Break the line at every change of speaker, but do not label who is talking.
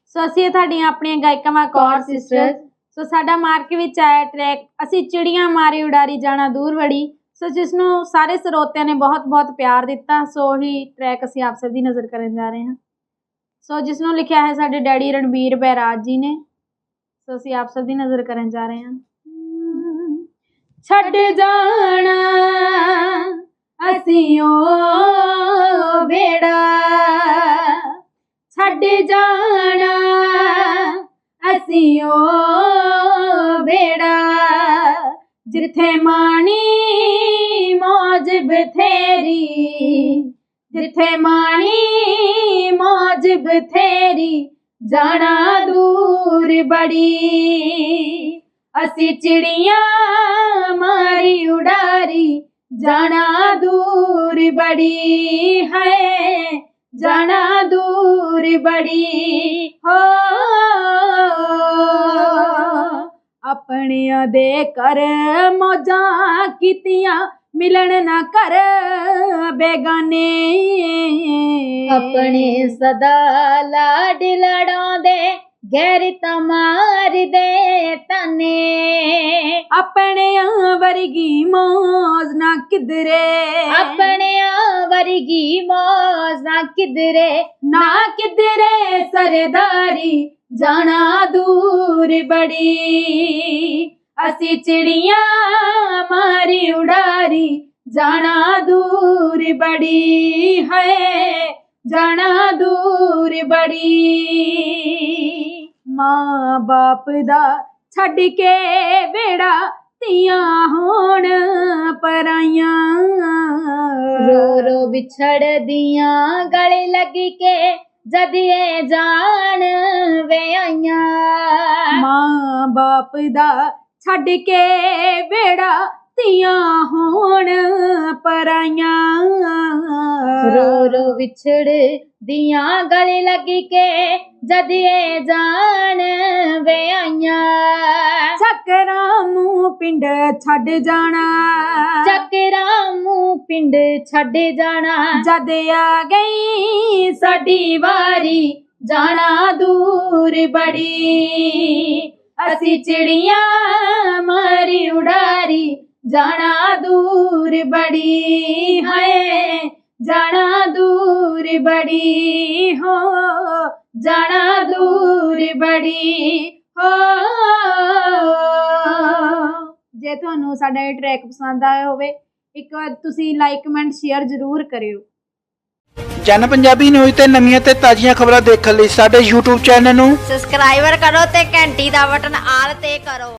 सो असीं तुहाडीआं अपणीआं गायिकावां कौर सिस्टर्स। सो साडा मार्के विच आया ट्रैक असीं चिड़ियां मारी उडारी जाना दूर वड़ी। सो जिसनूं सारे ਸਰੋਤਿਆਂ ने बहुत बहुत प्यार दिता। सो ही ट्रैक असीं आप सब दी नज़र करन जा रहे हैं। सो जिसनूं लिखिया है साडे डैडी रणबीर बैराज जी ने। सो असीं आप सब दी नज़र करन जा रहे हैं। छड्ड जाना असीं ओ बेड़ा, छड्ड जाना असीं ओ बेड़ा, जिथे माणी मौज बथेरी, जिथे माणी मौज बथेरी, जाना दूर बड़ी, असी चिड़ियां मारी उडारी, जाना दूर बड़ी है, जाना दूर बड़ी हो। अपनिया दे कर मौजां कीतियां, मिलन ना कर बेगाने,
अपने सदा लाड लड़ांदे, गैर तमार दे तने,
अपने वर्गी मौज ना किधरे,
अपने वर्गी मौज ना किधरे,
ना किधरे सरदारी, जाना दूर बड़ी, असी चिड़ियां मारी उडारी, जाना दूर बड़ी है, जाना दूर बड़ी। मां बाप दा छड्ड के बेड़ा, तियां होण पराइयां,
रो रो विछड़ दियां गले लगी के, जदिए जान वे आइयां।
मां बाप दा छड्ड के बेड़ा, तियां होण पराइयां,
रो रो विछड़ दियां गले लगी के, जदिए जान वे आइयां।
ਚੱਕਰਾਂ ਮੂੰਹ ਪਿੰਡ ਛੱਡ ਜਾਣਾ,
ਚੱਕਰਾਂ ਮੂੰਹ ਪਿੰਡ ਛੱਡ ਜਾਣਾ,
ਜਦ ਆ ਗਈ ਸਾਡੀ ਵਾਰੀ, ਜਾਣਾ ਦੂਰ ਬੜੀ, ਅਸੀਂ ਚਿੜੀਆਂ ਮਾਰੀ ਉਡਾਰੀ, ਜਾਣਾ ਦੂਰ ਬੜੀ ਹੈ, ਜਾਣਾ ਦੂਰ ਬੜੀ ਹੋ, ਜਾਣਾ ਦੂਰ ਬੜੀ ਹੋ। ਜੇ ਤੁਹਾਨੂੰ ਸਾਡਾ ਇਹ ਟਰੈਕ ਪਸੰਦ ਆਇਆ ਹੋਵੇ, ਇੱਕ ਵਾਰ ਤੁਸੀਂ ਲਾਈਕ ਕਮੈਂਟ ਸ਼ੇਅਰ ਜ਼ਰੂਰ ਕਰਿਓ।
ਜਨ ਪੰਜਾਬੀ ਨਿਊਜ਼ ਤੇ ਨਵੀਆਂ ਤੇ ਤਾਜ਼ੀਆਂ ਖਬਰਾਂ ਦੇਖਣ ਲਈ ਸਾਡੇ YouTube ਚੈਨਲ ਨੂੰ
ਸਬਸਕ੍ਰਾਈਬਰ ਕਰੋ ਤੇ ਘੰਟੀ ਦਾ ਬਟਨ ਆਲ ਤੇ ਕਰੋ।